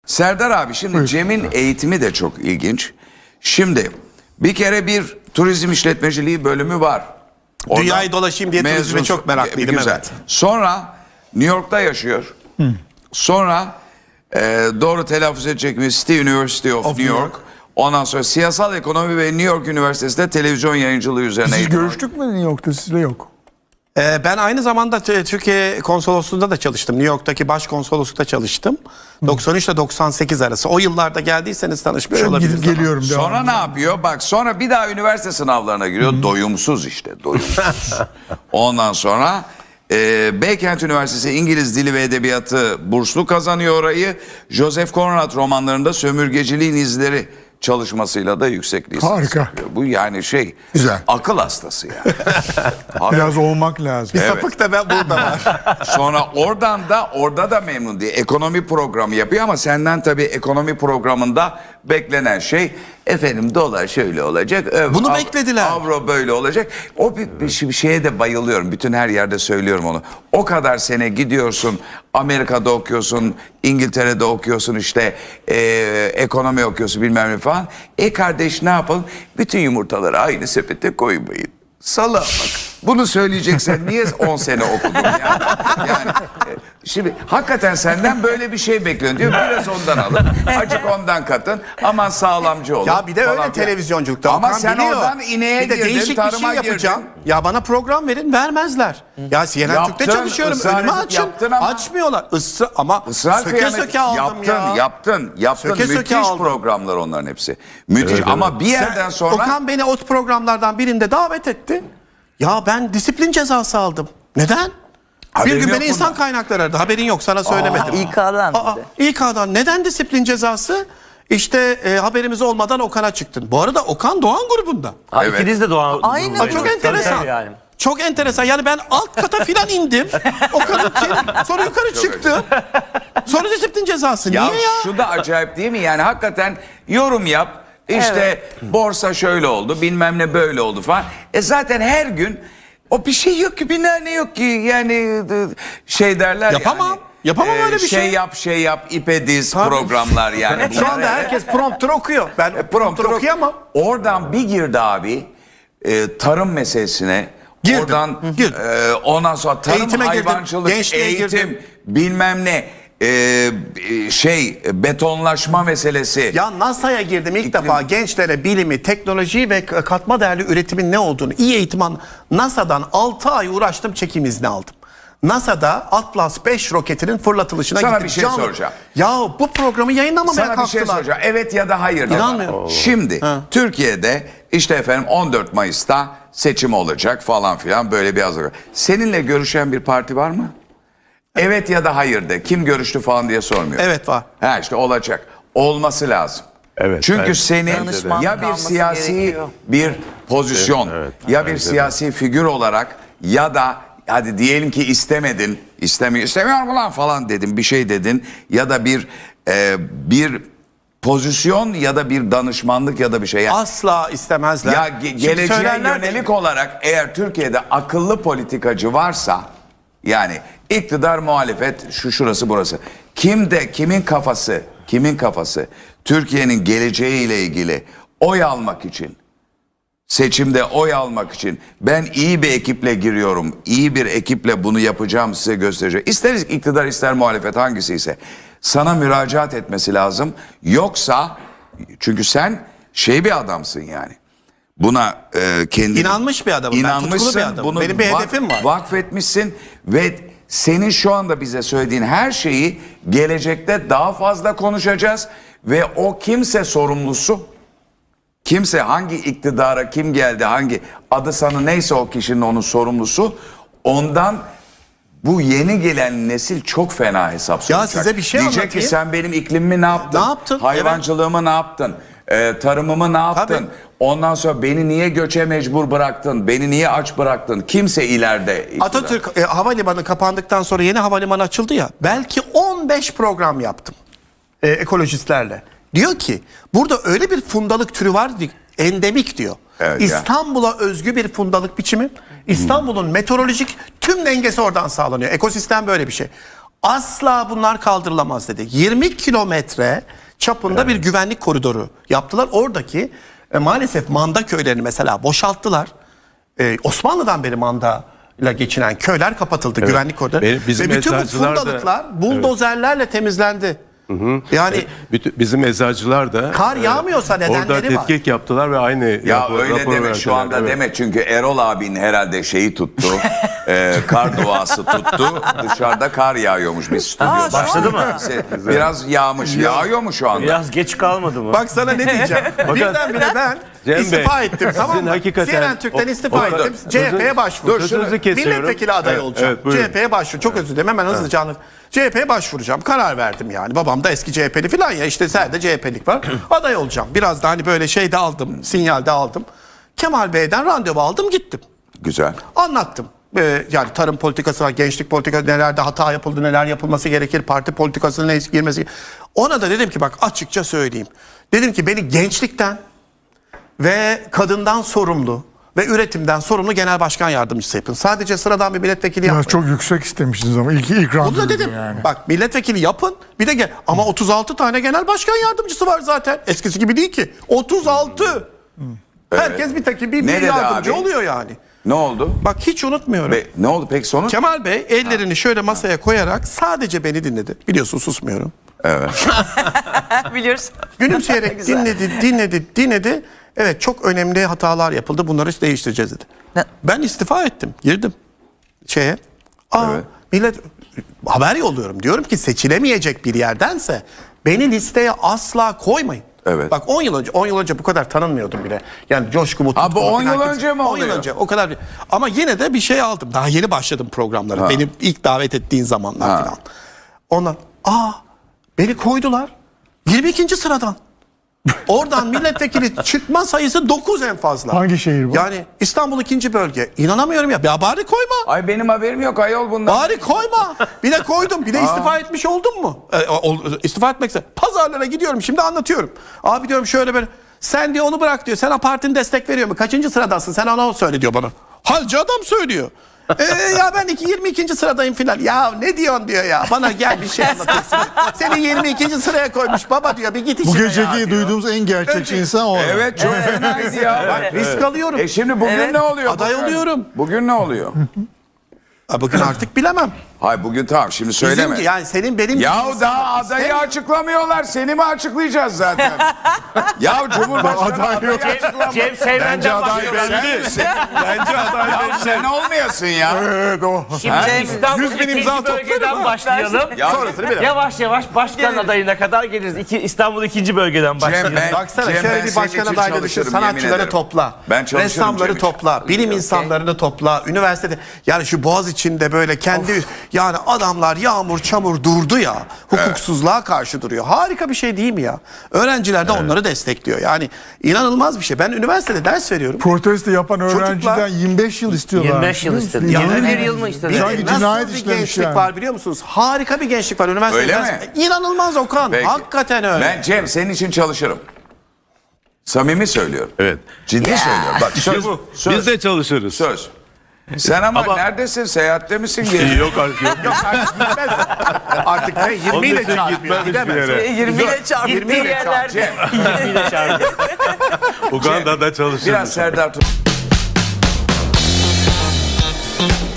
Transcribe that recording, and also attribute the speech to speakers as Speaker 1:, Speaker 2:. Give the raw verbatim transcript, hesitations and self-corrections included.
Speaker 1: Serdar abi şimdi
Speaker 2: Buyur.
Speaker 1: Cem'in eğitimi de çok ilginç. Şimdi bir kere bir turizm işletmeciliği bölümü var. Oradan
Speaker 3: Dünyayı dolaşayım diye turizme
Speaker 1: mezun-
Speaker 3: çok meraklıydım,
Speaker 1: Güzel.
Speaker 3: evet.
Speaker 1: Sonra New York'ta yaşıyor. Sonra e, doğru telaffuz edecek mi? City University of, New
Speaker 2: New
Speaker 1: York. Ondan sonra siyasal ekonomi ve New York Üniversitesi'nde televizyon yayıncılığı üzerine
Speaker 2: Siz
Speaker 1: eğitim
Speaker 2: görüştük mü New York'ta, sizle yok?
Speaker 3: Ee, ben aynı zamanda t- Türkiye konsolosluğunda da çalıştım. New York'taki başkonsoloslukta çalıştım. doksan üç ile doksan sekiz arası. O yıllarda geldiyseniz tanışmış
Speaker 2: Ben
Speaker 3: olabiliriz.
Speaker 2: gidip geliyorum.
Speaker 1: Sonra
Speaker 2: devamlı.
Speaker 1: ne yapıyor? Bak sonra bir daha üniversite sınavlarına giriyor. Doyumsuz işte. Doyumsuz. Ondan sonra e, Beykent Üniversitesi İngiliz Dili ve Edebiyatı burslu kazanıyor orayı. Joseph Conrad romanlarında sömürgeciliğin izleri çalışmasıyla da yüksek lisans
Speaker 2: Harika.
Speaker 1: yapıyor. Bu yani şey
Speaker 2: Güzel.
Speaker 1: akıl hastası yani. Abi,
Speaker 2: Biraz olmak lazım.
Speaker 3: Bir sapık da ben burada var.
Speaker 1: sonra oradan da orada da memnun değil. Ekonomi programı yapıyor ama senden tabii ekonomi programında beklenen şey efendim dolar şöyle olacak. öv-
Speaker 3: Bunu
Speaker 1: av-
Speaker 3: beklediler.
Speaker 1: Avro böyle olacak. O bir, bir şey- bir şeye de bayılıyorum. Bütün her yerde söylüyorum onu. O kadar sene gidiyorsun. Amerika'da okuyorsun. İngiltere'de okuyorsun işte. e, ekonomi okuyorsun bilmem ne falan. E kardeş ne yapalım? Bütün yumurtaları aynı sepete koymayın. Sala bak. Bunu söyleyeceksen niye on sene okudun yani? Yani e, şimdi hakikaten senden böyle bir şey bekliyor diyor. Biraz ondan alın. Acık ondan katın. Aman sağlamcı olun.
Speaker 3: Ya bir de
Speaker 1: falan
Speaker 3: öyle
Speaker 1: filan.
Speaker 3: televizyonculukta.
Speaker 1: Ama
Speaker 3: Okan
Speaker 1: sen
Speaker 3: biliyor.
Speaker 1: oradan ineğe
Speaker 3: bir de
Speaker 1: girdin,
Speaker 3: değişik bir
Speaker 1: tarıma
Speaker 3: şey yapacağım.
Speaker 1: girdin.
Speaker 3: Ya bana program verin, vermezler. Ya C N N
Speaker 1: Yaptın,
Speaker 3: Türk'te çalışıyorum.
Speaker 1: ısrar
Speaker 3: Önümü
Speaker 1: edip
Speaker 3: açın.
Speaker 1: yaptın ama-
Speaker 3: Açmıyorlar. Isra ama
Speaker 1: Israr
Speaker 3: söke
Speaker 1: kıyamet-
Speaker 3: söke aldım
Speaker 1: yaptın,
Speaker 3: ya.
Speaker 1: Yaptın, yaptın.
Speaker 3: Söke söke
Speaker 1: Müthiş
Speaker 3: aldım.
Speaker 1: programlar onların hepsi. Müthiş ama bir yerden
Speaker 3: Sen-
Speaker 1: sonra...
Speaker 3: Okan beni o programlardan birinde davet etti. Ya ben disiplin cezası aldım. Neden?
Speaker 1: Haberin
Speaker 3: bir gün
Speaker 1: yok
Speaker 3: beni insan
Speaker 1: bundan.
Speaker 3: kaynakları aradı. Haberin yok, sana söylemedim.
Speaker 4: İK'dan
Speaker 3: Aa,
Speaker 4: bir de.
Speaker 3: İK'dan. Neden disiplin cezası? İşte e, haberimiz olmadan Okan'a çıktın. Bu arada Okan Doğan grubunda.
Speaker 5: Ha,
Speaker 1: Evet.
Speaker 5: İkiniz de Doğan.
Speaker 4: Aynı.
Speaker 5: grubundaydınız.
Speaker 3: Çok
Speaker 5: Tabii,
Speaker 3: enteresan.
Speaker 5: tabii yani.
Speaker 3: Çok enteresan. Yani ben alt kata filan indim. Okan'ın için. Sonra yukarı çıktı. Sonra disiplin cezası.
Speaker 1: Ya,
Speaker 3: Niye ya?
Speaker 1: şu da acayip değil mi? Yani hakikaten yorum yap. İşte borsa şöyle oldu, bilmem ne böyle oldu falan. E zaten her gün o bir şey yok ki, bilmem ne yok ki. Yani e, şey derler
Speaker 3: Yapamam.
Speaker 1: yani.
Speaker 3: Yapamam öyle bir
Speaker 1: şey.
Speaker 3: şey.
Speaker 1: yap, şey yap, ipe diz
Speaker 3: Tabii.
Speaker 1: programlar yani.
Speaker 3: Şu
Speaker 1: Bunlar-
Speaker 3: anda herkes prompter okuyor. Ben
Speaker 1: E,
Speaker 3: prompter okuyamam.
Speaker 1: Oradan bir girdi abi e, tarım meselesine.
Speaker 3: Girdim,
Speaker 1: Oradan
Speaker 3: girdim.
Speaker 1: e, ondan sonra tarım,
Speaker 3: Eğitime girdim,
Speaker 1: hayvancılık,
Speaker 3: gençliğe
Speaker 1: eğitim,
Speaker 3: girdim.
Speaker 1: bilmem ne e, e, şey betonlaşma meselesi.
Speaker 3: Ya NASA'ya girdim ilk
Speaker 1: İklim-
Speaker 3: defa, gençlere bilimi, teknolojiyi ve k- katma değerli üretimin ne olduğunu iyi eğitim an. NASA'dan altı ay uğraştım, çekim izni aldım. NASA'da Atlas beş roketinin fırlatılışına
Speaker 1: Sana
Speaker 3: gittim.
Speaker 1: bir şey soracağım.
Speaker 3: Ya bu programı yayınlamamaya
Speaker 1: Sana bir şey
Speaker 3: kalktılar.
Speaker 1: soracağım. Evet ya da hayır. de
Speaker 3: İnanmıyorum.
Speaker 1: bana. Şimdi Türkiye'de işte efendim on dört Mayıs'ta seçim olacak falan filan, böyle bir hazırlık. Seninle görüşen bir parti var mı? Evet ya da hayır de. Kim görüştü falan diye sormuyor.
Speaker 3: Evet, var.
Speaker 1: Ha işte olacak. Olması lazım.
Speaker 5: Evet,
Speaker 1: Çünkü
Speaker 5: bence-
Speaker 1: senin
Speaker 4: Danışmanlık
Speaker 1: ya bir
Speaker 4: alması
Speaker 1: siyasi
Speaker 4: gerekiyor.
Speaker 1: bir pozisyon
Speaker 5: Evet, evet,
Speaker 1: ya bir
Speaker 5: bence de.
Speaker 1: siyasi figür olarak ya da hadi diyelim ki istemedin, istemiyor, istemiyorum ulan falan dedin, bir şey dedin ya da bir e, bir pozisyon ya da bir danışmanlık ya da bir şey. Yani
Speaker 3: Asla istemezler.
Speaker 1: ya ge-
Speaker 3: Şimdi
Speaker 1: geleceğe
Speaker 3: söylerler de-
Speaker 1: yönelik olarak eğer Türkiye'de akıllı politikacı varsa, yani iktidar, muhalefet, şu şurası burası. Kimde kimin kafası, kimin kafası Türkiye'nin geleceğiyle ilgili oy almak için, seçimde oy almak için ben iyi bir ekiple giriyorum, iyi bir ekiple bunu yapacağım, size göstereceğim. İster iktidar ister muhalefet, hangisi ise sana müracaat etmesi lazım. Yoksa, çünkü sen şey bir adamsın yani. Buna e, kendin
Speaker 3: İnanmış bir adamım ben, tutkulu
Speaker 1: İnanmışsın.
Speaker 3: bir adamım.
Speaker 1: Bunu
Speaker 3: Benim bir
Speaker 1: vak-
Speaker 3: hedefim var.
Speaker 1: Vakfetmişsin ve senin şu anda bize söylediğin her şeyi gelecekte daha fazla konuşacağız ve o kimse sorumlusu, kimse hangi iktidara kim geldi, hangi adı sanı neyse o kişinin onun sorumlusu, ondan bu yeni gelen nesil çok fena hesap soracak.
Speaker 3: size bir şey
Speaker 1: Diyecek
Speaker 3: anlatayım.
Speaker 1: ki sen benim iklimimi ne yaptın?
Speaker 3: Ne yaptın?
Speaker 1: Hayvancılığımı ne yaptın? Ee, tarımımı ne yaptın?
Speaker 3: Tabii.
Speaker 1: Ondan sonra beni niye göçe mecbur bıraktın? Beni niye aç bıraktın? Kimse ileride iktidar.
Speaker 3: Atatürk e, havalimanı kapandıktan sonra yeni havalimanı açıldı ya. Belki on beş program yaptım e, ekolojistlerle. Diyor ki burada öyle bir fundalık türü var ki, endemik diyor.
Speaker 1: Evet ya.
Speaker 3: İstanbul'a özgü bir fundalık biçimi. İstanbul'un meteorolojik tüm dengesi oradan sağlanıyor. Ekosistem böyle bir şey. Asla bunlar kaldırılamaz dedi. yirmi kilometre çapında bir güvenlik koridoru yaptılar. Oradaki e, maalesef manda köylerini mesela boşalttılar. E, Osmanlı'dan beri manda ile geçinen köyler kapatıldı, güvenlik koridoru.
Speaker 4: Benim- bizim
Speaker 3: Ve bütün bu
Speaker 4: eczacılar da-
Speaker 3: fundalıklar buldozerlerle temizlendi. Yani
Speaker 4: Bütün, bizim eczacılar da
Speaker 3: Kar yağmıyorsa nedenleri
Speaker 4: orada
Speaker 3: var.
Speaker 4: tetkik yaptılar ve aynı
Speaker 1: Ya
Speaker 4: rapor-
Speaker 1: öyle
Speaker 4: rapor
Speaker 1: deme şu
Speaker 4: verdiler.
Speaker 1: anda
Speaker 4: Evet.
Speaker 1: deme çünkü Erol abinin herhalde şeyi tuttu. e, kar duası tuttu. Dışarıda kar yağıyormuş bir stüdyoda.
Speaker 5: başladı mı?
Speaker 1: Se- Biraz yağmış. Yağıyor mu şu anda?
Speaker 5: Biraz geç kalmadı mı?
Speaker 3: bak sana ne diyeceğim. Birdenbire ben
Speaker 4: Cem Bey,
Speaker 3: istifa ettim, tamam
Speaker 4: sizin
Speaker 3: mı?
Speaker 4: hakikaten-
Speaker 3: C N N Türk'ten
Speaker 4: o-
Speaker 3: istifa
Speaker 4: o-
Speaker 3: ettim.
Speaker 4: dur,
Speaker 3: C H P'ye
Speaker 4: sözünü-
Speaker 3: başvurdum.
Speaker 4: dur, sözünüzü kesiyorum.
Speaker 3: Milletvekili adayı
Speaker 4: Evet,
Speaker 3: olacağım.
Speaker 4: evet, buyurun.
Speaker 3: C H P'ye başvur. Çok özür dilerim, hemen hızlıca anlat. C H P'ye başvuracağım. Karar verdim yani. Babam da eski C H P'li falan ya. İşte sen de C H P'lik var. Aday olacağım. Biraz da hani böyle şey de aldım. Sinyal de aldım. Kemal Bey'den randevu aldım, gittim.
Speaker 1: Güzel.
Speaker 3: Anlattım. Ee, yani tarım politikası var, gençlik politikası, nelerde hata yapıldı, neler yapılması gerekir, parti politikasına ne girmesi. Ona da dedim ki bak açıkça söyleyeyim. Dedim ki beni gençlikten ve kadından sorumlu ve üretimden sorumlu genel başkan yardımcısı yapın. Sadece sıradan bir milletvekili
Speaker 2: Ya
Speaker 3: yapmayın.
Speaker 2: çok yüksek istemişsiniz ama ilk ilk
Speaker 3: Bunu da
Speaker 2: randevu
Speaker 3: dedim.
Speaker 2: yani.
Speaker 3: Bak milletvekili yapın. Bir de gel. Ama otuz altı tane genel başkan yardımcısı var zaten. Eskisi gibi değil ki. otuz altı. Herkes bir takım bir,
Speaker 1: Ne
Speaker 3: bir
Speaker 1: dedi
Speaker 3: yardımcı
Speaker 1: abi?
Speaker 3: oluyor yani.
Speaker 1: Ne oldu?
Speaker 3: Bak hiç unutmuyorum.
Speaker 1: Be- ne oldu peki sonuç?
Speaker 3: Kemal Bey ellerini şöyle masaya koyarak sadece beni dinledi. Biliyorsun susmuyorum.
Speaker 6: Biliyoruz.
Speaker 3: Gülümseyerek
Speaker 6: Güzel.
Speaker 3: dinledi, dinledi, dinledi. Evet çok önemli hatalar yapıldı. Bunları değiştireceğiz dedi.
Speaker 6: Ne?
Speaker 3: Ben istifa ettim. Girdim şeye. Aa,
Speaker 1: Evet.
Speaker 3: millet haber yolluyorum. Diyorum ki seçilemeyecek bir yerdense beni listeye asla koymayın.
Speaker 1: Evet.
Speaker 3: Bak on yıl önce on yıl önce bu kadar tanınmıyordum bile. Yani Coşku Mutlu.
Speaker 1: Ha, bu on yıl önce mi
Speaker 3: on yıl
Speaker 1: oluyor?
Speaker 3: önce o kadar. Ama yine de bir şey aldım. Daha yeni başladım programlara. Beni ilk davet ettiğin zamanlar
Speaker 1: Ha.
Speaker 3: falan. Ondan aa beni koydular. yirmi ikinci sıradan. Oradan milletvekili çıkma sayısı dokuz en fazla.
Speaker 2: Hangi şehir bu?
Speaker 3: Yani İstanbul ikinci bölge. İnanamıyorum ya. Ya bari koyma.
Speaker 1: Ay benim haberim yok ayol bundan.
Speaker 3: Bari koyma. Bir de koydum. Bir de istifa etmiş oldum mu? E, ol- istifa etmekse. Pazarlara gidiyorum. Şimdi anlatıyorum. Abi diyorum şöyle böyle. Sen diyor onu bırak diyor. Sana partinin destek veriyor mu? Kaçıncı sıradasın? Sen ona söyle diyor bana. Halci adam söylüyor. Ee, ya ben iki, yirmi ikinci sıradayım filan. Ya ne diyorsun diyor ya. Bana gel bir şey anlatırsın. Seni yirmi ikinci sıraya koymuş baba diyor. Bir git
Speaker 2: Bu
Speaker 3: işine
Speaker 2: geceki
Speaker 3: ya diyor.
Speaker 2: duyduğumuz en gerçekçi insan o.
Speaker 1: Evet çok fenaydı ya.
Speaker 3: Bak, risk alıyorum.
Speaker 1: E şimdi bugün
Speaker 6: Evet.
Speaker 1: ne oluyor?
Speaker 3: Aday
Speaker 1: bugün?
Speaker 3: oluyorum.
Speaker 1: Bugün ne oluyor?
Speaker 3: Ha, bugün artık bilemem.
Speaker 1: Hay bugün tamam şimdi söyleme.
Speaker 3: Bizim, yani senin benim
Speaker 1: Ya
Speaker 3: gibi
Speaker 1: daha
Speaker 3: insan-
Speaker 1: adayı
Speaker 3: İstemiyorum.
Speaker 1: açıklamıyorlar. Seni mi açıklayacağız zaten? ya Cumhurbaşkanı
Speaker 2: Aday
Speaker 1: adayı
Speaker 2: yok.
Speaker 1: açıklamıyor.
Speaker 5: Cem Seymen'den başlıyor.
Speaker 1: Bence aday ya sen olmayasın ya.
Speaker 2: Evet o.
Speaker 5: Şimdi İstanbul
Speaker 3: yüz bin imza
Speaker 5: ikinci
Speaker 3: toplarım
Speaker 5: bölgeden
Speaker 3: ha.
Speaker 5: başlayalım.
Speaker 1: Ya-
Speaker 3: Sonrasını bilemem.
Speaker 5: Yavaş yavaş başkan adayına kadar geliriz. İki, İstanbul ikinci bölgeden
Speaker 1: Cem
Speaker 5: başlayalım.
Speaker 1: ben,
Speaker 3: Baksana
Speaker 1: Cem,
Speaker 3: şöyle
Speaker 1: ben
Speaker 3: bir
Speaker 1: senin
Speaker 3: başkan
Speaker 1: için
Speaker 3: adayları düşün.
Speaker 1: çalışırım, yemin
Speaker 3: Sanatçıları
Speaker 1: ederim.
Speaker 3: topla.
Speaker 1: Ben çalışırım
Speaker 3: Ressamları
Speaker 1: Cem için.
Speaker 3: topla. Bilim insanlarını topla. Üniversitede yani şu Boğaz içinde böyle kendi yani adamlar yağmur çamur durdu ya. Hukuksuzluğa karşı duruyor. Harika bir şey değil mi ya? Öğrenciler de onları destekliyor. Yani inanılmaz bir şey. Ben üniversitede ders veriyorum.
Speaker 2: Protesto yapan öğrenciden
Speaker 3: Çocuklar-
Speaker 2: yirmi beş yıl istiyorlar.
Speaker 5: yirmi beş yıl istedi.
Speaker 2: Ya,
Speaker 5: yirmi bir
Speaker 2: evet.
Speaker 5: yıl mı istedi?
Speaker 3: Bir
Speaker 2: Sanki
Speaker 3: de nasıl
Speaker 2: cinayet
Speaker 3: bir
Speaker 2: işlemiş
Speaker 3: gençlik
Speaker 2: yani.
Speaker 3: var biliyor musunuz? Harika bir gençlik var üniversitede.
Speaker 1: Öyle
Speaker 3: ders-
Speaker 1: mi?
Speaker 3: İnanılmaz Okan.
Speaker 1: Peki.
Speaker 3: Hakikaten öyle.
Speaker 1: Ben Cem senin için çalışırım. Samimi söylüyorum.
Speaker 4: Evet.
Speaker 1: Ciddi söylüyorum. Bak söz,
Speaker 4: bu.
Speaker 1: söz,
Speaker 4: Biz de çalışırız.
Speaker 1: söz. Sen ama,
Speaker 4: Ama-
Speaker 1: neredesin? Seyahatte misin? Geri-
Speaker 4: Yok artık yok.
Speaker 3: Artık ne? yirmi
Speaker 4: Onun
Speaker 3: ile
Speaker 4: için
Speaker 3: çarpıyor.
Speaker 4: gitmez hiçbir
Speaker 3: Gidemez.
Speaker 4: yere.
Speaker 6: yirmi ile çarp.
Speaker 3: yirmi ile çarp.
Speaker 1: Cem,
Speaker 5: Yine çağırdı.
Speaker 4: Uganda'da çalışırız.
Speaker 1: biraz Serdar tut.